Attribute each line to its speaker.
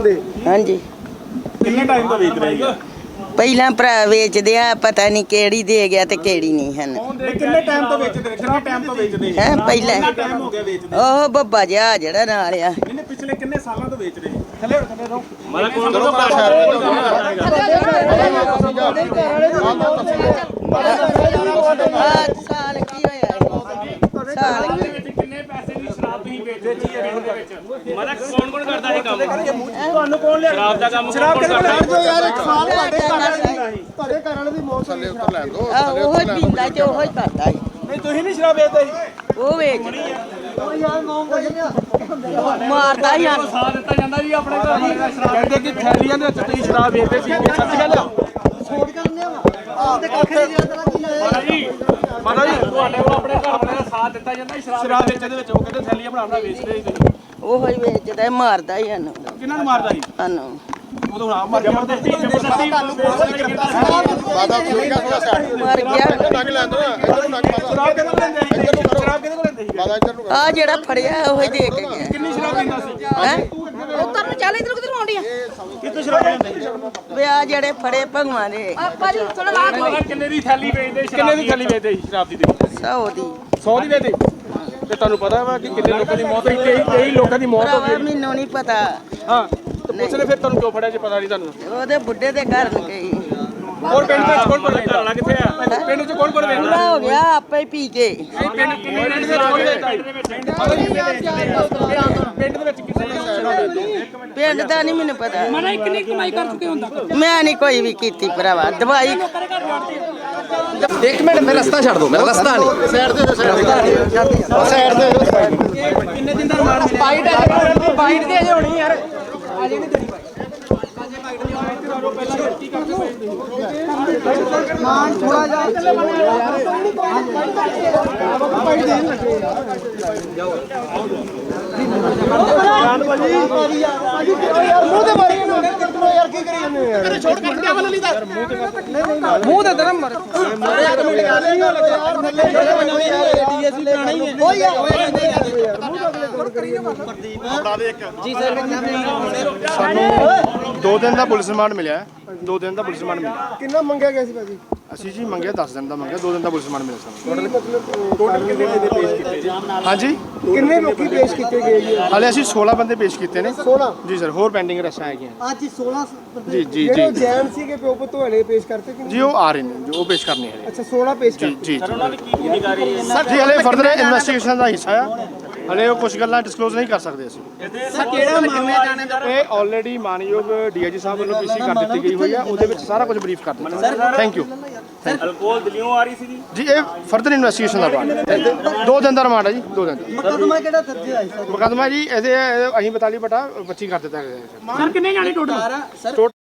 Speaker 1: हाँ जी
Speaker 2: ਕਿੰਨੇ ਟਾਈਮ ਤੋਂ ਵੇਚ ਰਹੇ ਆ
Speaker 1: ਪਹਿਲਾਂ ਭਰਾ ਵੇਚਦੇ ਆ ਪਤਾ ਨਹੀਂ ਕਿਹੜੀ ਦੇ ਗਿਆ ਤੇ ਕਿਹੜੀ ਨਹੀਂ ਹਨ
Speaker 2: ਕਿੰਨੇ ਟਾਈਮ ਤੋਂ ਵੇਚਦੇ ਕਿੰਨੇ ਟਾਈਮ ਤੋਂ ਵੇਚਦੇ
Speaker 1: ਹੈ ਪਹਿਲਾਂ
Speaker 2: ਕਿੰਨਾ ਟਾਈਮ ਹੋ ਗਿਆ ਵੇਚਦੇ
Speaker 1: ਉਹ ਬੱਬਾ ਜਿਹਾ ਜਿਹੜਾ ਨਾਲ ਆ
Speaker 2: ਇਹਨੇ ਪਿਛਲੇ ਕਿੰਨੇ ਸਾਲਾਂ ਤੋਂ ਵੇਚ ਰਹੇ ਥੱਲੇ ਰਹੋ ਮਾਰਾ ਕੋਲ
Speaker 1: ਸਾਲ ਕੀ ਹੋਇਆ ਸਾਲ
Speaker 2: ਕਿੰਨੇ ਪੈਸੇ ਦੀ ਸ਼ਰਾਬ ਤੁਸੀਂ ਵੇਚਦੇ ਜੀ ਪਿੰਡ ਦੇ ਵਿੱਚ ਮਾਰਾ ਕੌਣ ਕਰਦਾ ਇਹ ਕੰਮ ਤੁਹਾਨੂੰ ਕੌਣ ਲਿਆ ਸ਼ਰਾਬ ਦਾ ਕੰਮ ਸ਼ਰਾਬ ਕਰਦਾ ਯਾਰ ਇੱਕ ਸਾਲ ਤੁਹਾਡੇ ਘਰ ਵਾਲੇ ਦੀ ਮੌਤ ਥੱਲੇ ਉੱਤਰ ਲੈਣ ਦੋ
Speaker 1: ਉਹ ਹੀ ਪੀਂਦਾ ਤੇ ਉਹ ਹੀ ਕਰਦਾ ਸੀ
Speaker 2: ਨਹੀਂ ਤੁਸੀਂ ਨਹੀਂ ਸ਼ਰਾਬ ਵੇਚਦੇ ਜੀ
Speaker 1: ਉਹ ਵੇਚ ਮਾਰਦਾ ਹੀ ਹਨ
Speaker 2: ਸਾਥ ਦਿੱਤਾ ਜਾਂਦਾ ਜੀ ਆਪਣੇ ਘਰ ਵਾਲੇ ਦਾ ਸ਼ਰਾਬ ਕਹਿੰਦੇ ਕਿ ਥੈਲੀਆਂ ਦੇ ਵਿੱਚ ਤੁਸੀਂ ਸ਼ਰਾਬ ਵੇਚਦੇ ਸੀ ਇਹ ਸੱਚ ਗੱਲ ਆ ਛੋੜ ਕਰਨੇ ਆ ਤੇ ਕੱਖ ਨਹੀਂ ਜਾਂਦਾ ਕੀ ਮਾਤਾ ਜੀ ਤੁਹਾਡੇ ਕੋਲ ਆਪਣੇ ਘਰ ਵਾਲੇ ਦਾ ਸਾਥ ਦਿੱਤਾ ਜਾਂਦਾ ਸ਼ਰਾਬ ਵੇਚਣ ਦੇ ਵਿੱਚ ਉਹ ਕਹਿੰਦੇ ਥੈਲੀਆਂ ਬਣਾਉਣਾ ਵੇਚਦੇ ਸੀ ਤੁਸੀਂ
Speaker 1: ਉਹ ਹੀ ਵੇਚਦਾ ਮਾਰਦਾ ਹੀ ਹਨ
Speaker 2: ਕਿਹਨਾਂ ਨੂੰ ਮਾਰਦਾ ਸੀ
Speaker 1: ਸਾਨੂੰ
Speaker 2: ਉਦੋਂ ਨਾ ਮਰ ਗਿਆ ਜ਼ਬਰਦਸਤੀ
Speaker 3: ਬਾਦਾ ਠੀਕ ਆ ਥੋੜਾ ਸਾਈਡ
Speaker 1: ਮਰ ਗਿਆ
Speaker 3: ਨੰਗ ਲੈਂਦੇ ਇੱਧਰ ਨੂੰ ਨੰਗ
Speaker 2: ਸ਼ਰਾਬ ਕਿਹਦੇ ਕੋਲ ਲੈਂਦੇ ਸੀ ਸ਼ਰਾਬ ਕਿਹਦੇ ਕੋਲ ਲੈਂਦੇ ਸੀ
Speaker 3: ਬਾਦਾ ਇੱਧਰ ਨੂੰ
Speaker 1: ਆ ਜਿਹੜਾ ਫੜਿਆ ਉਹ ਹੀ ਦੇ ਕੇ ਗਿਆ
Speaker 2: ਕਿੰਨੀ ਸ਼ਰਾਬ ਪੀਂਦਾ ਸੀ
Speaker 1: ਹੈ
Speaker 4: ਉੱਤਰ ਨੂੰ ਚੱਲ ਇਧਰ ਕਿਧਰ ਆਉਂਦੀ ਆ
Speaker 2: ਕਿੱਥੇ ਸ਼ਰਾਬ ਲੈਂਦੇ ਸੀ
Speaker 1: ਵੇ ਆ ਜਿਹੜੇ ਫੜੇ ਭਗਵਾਂ ਦੇ
Speaker 4: ਆਪਾਂ ਜੀ ਥੋੜਾ ਲਾ
Speaker 2: ਮਾਤਾ ਕਿੰਨੇ ਦੀ ਥੈਲੀ ਵੇਚਦੇ ਕਿੰਨੇ ਦੀ ਥੈਲੀ ਵੇਚਦੇ ਸੀ ਸ਼ਰਾਬ ਦੀ
Speaker 1: 100 ਦੀ
Speaker 2: 100 ਦੀ ਵੇਚਦੇ ਤੇ ਤੁਹਾਨੂੰ ਪਤਾ ਵਾ ਕਿ ਕਿੰਨੇ ਲੋਕਾਂ ਦੀ ਮੌਤ ਹੋਈ ਕਈ ਲੋਕਾਂ ਦੀ ਮੌਤ ਹੋ
Speaker 1: ਭਰਾਵਾ
Speaker 2: ਗਈ
Speaker 1: ਮੈਨੂੰ ਨਹੀਂ ਪਤਾ
Speaker 2: ਹਾਂ ਤੇ ਪੁੱਛਲੇ ਫਿਰ ਤੁਹਾਨੂੰ ਕਿਉਂ ਫੜਿਆ ਜੇ ਪਤਾ ਨਹੀਂ ਤੁਹਾਨੂੰ
Speaker 1: ਉਹਦੇ ਬੁੱਢੇ ਦੇ ਘਰ ਨੂੰ ਗਈ
Speaker 2: ਹੋਰ ਪਿੰਡ ਵਿੱਚ ਕੌਣ ਕੌਣ ਵੇਚਦਾ ਵਾਲਾ ਕਿੱਥੇ ਆ ਪਿੰਡ ਵਿੱਚ ਕੌਣ ਕੌਣ ਵੇਚਦਾ
Speaker 1: ਪੂਰਾ ਹੋ ਗਿਆ ਆਪੇ ਹੀ ਪੀ ਕੇ
Speaker 2: ਪਿੰਡ ਕਿੰਨੇ ਪਿੰਡ ਦੇ ਕੌਣ ਵੇਚਦਾ ਪਿੰਡ ਦੇ ਵਿੱਚ ਕਿਸੇ ਨੂੰ ਸ਼ਰਾਬ ਵੇਚਦੇ
Speaker 1: ਪਿੰਡ ਦਾ ਨਹੀਂ ਮੈਨੂੰ ਪਤਾ
Speaker 4: ਮਨਾ ਕਿੰਨੀ ਕਮਾਈ ਕਰ ਚੁੱਕੇ ਹੁੰਦਾ
Speaker 1: ਮੈਂ ਨਹੀਂ ਕੋਈ ਵੀ ਕੀਤੀ ਭਰਾਵਾ ਦਵਾਈ
Speaker 5: ਇੱਕ ਮਿੰਟ ਮੇਰਾ ਰਸਤਾ ਛੱਡ ਦਿਓ ਮੇਰਾ ਰਸਤਾ ਨਹੀਂ
Speaker 3: ਸਾਈਡ ਦੇ ਸਾਈਡ ਦੇ
Speaker 2: ਕਿੰਨੇ ਦਿਨ ਦਾ ਮਾਰ
Speaker 4: ਬਾਈਟ ਦੇ ਅਜੇ ਹੋਣੀ ਯਾਰ ਅਜੇ ਨਹੀਂ ਦੇਣੀ
Speaker 2: ਮੂੰਹ ਦੇ ਦਰਮ ਮਰ
Speaker 3: ਸਾਨੂੰ 2 ਦਿਨ ਦਾ ਪੁਲਿਸ ਰਿਮਾਂਡ ਮਿਲਿਆ 2 ਦਿਨ ਦਾ ਪੁਲਿਸ ਰਿਮਾਂਡ ਮਿਲਿਆ
Speaker 6: ਕਿੰਨਾ ਮੰਗਿਆ ਗਿਆ ਸੀ ਭਾਜੀ
Speaker 3: ਅਸੀਂ ਜੀ ਮੰਗਿਆ 10 ਦਿਨ ਦਾ ਮੰਗਿਆ 2 ਦਿਨ ਦਾ ਪੁਲਿਸ ਰਿਮਾਂਡ ਮਿਲਿਆ ਸਾਨੂੰ
Speaker 2: ਟੋਟਲ ਕਿੰਨੇ ਦੇ ਪੇਸ਼ ਕੀਤੇ ਜੀ
Speaker 3: ਹਾਂਜੀ
Speaker 6: ਕਿੰਨੇ ਲੋਕੀ ਪੇਸ਼ ਕੀਤੇ ਗਏ ਜੀ
Speaker 3: ਹਾਲੇ ਅਸੀਂ 16 ਬੰਦੇ ਪੇਸ਼ ਕੀਤੇ ਨੇ
Speaker 6: 16
Speaker 3: ਜੀ ਸਰ ਹੋਰ ਪੈਂਡਿੰਗ ਰਸਾਂ ਹੈਗੀਆਂ
Speaker 6: ਅੱਜ 16
Speaker 3: ਜੀ ਜੀ
Speaker 6: ਜਿਹੜੇ
Speaker 3: ਜੀ
Speaker 6: ਜੈਨ ਸੀਗੇ ਪਿਓ ਪੁੱਤ ਵਾਲੇ ਪੇਸ਼ ਕਰਤੇ ਕਿ
Speaker 3: ਜੀ ਉਹ ਆ ਰਹੇ ਨੇ ਜੋ ਉਹ ਪੇਸ਼ ਕਰਨੇ ਹੈ
Speaker 6: ਅੱਛਾ 16 ਪੇਸ਼
Speaker 3: ਜੀ
Speaker 6: ਕਰਤੇ
Speaker 3: ਜੀ
Speaker 2: ਉਹਨਾਂ ਦੀ ਕੀ ਭੂਮਿਕਾ ਰਹੀ ਹੈ
Speaker 3: ਸਰ ਜੀ ਹਲੇ ਫਰਦਰ ਇਨਵੈਸਟੀਗੇਸ਼ਨ ਦਾ ਹਿੱਸਾ ਆ ਹਲੇ ਉਹ ਕੁਝ ਗੱਲਾਂ ਡਿਸਕਲੋਜ਼ ਨਹੀਂ ਕਰ ਸਕਦੇ ਅਸੀਂ
Speaker 2: ਕਿਹੜਾ ਮਾਮਲਾ ਜਾਣੇ ਦਾ
Speaker 3: ਇਹ ਆਲਰੇਡੀ ਮਾਨਯੋਗ ਡੀਆਈਜੀ ਸਾਹਿਬ ਵੱਲੋਂ ਪੀਸੀ ਕਰ ਦਿੱਤੀ ਗਈ ਹੋਈ ਆ ਉਹਦੇ ਵਿੱਚ ਸਾਰਾ ਕੁਝ ਬਰੀਫ ਕਰ ਦਿੱਤਾ ਥੈਂਕ ਯੂ
Speaker 2: ਅਲਕੋਹਲ ਦਿੱਲੀੋਂ ਆ ਰਹੀ ਸੀ
Speaker 3: ਜੀ ਇਹ ਫਰਦਰ ਇਨਵੈਸਟੀਗੇਸ਼ਨ ਦਾ ਪਾਰਟ ਹੈ 2 ਦਿਨ ਦਾ ਰਿਮਾਂਡ ਹੈ ਜੀ 2 ਦਿਨ ਦਾ
Speaker 6: ਮੁਕੱਦਮਾ ਕਿਹੜਾ ਦਰਜ ਹੈ
Speaker 3: ਮੁਕੱਦਮਾ ਜੀ ਇਹਦੇ ਅਸੀਂ 42 ਬਟਾ 25 ਕਰ ਦਿੱਤਾ ਗਿਆ ਹੈ
Speaker 4: ਸਰ ਕਿੰਨੇ ਜਾਣੇ ਟੋਟਲ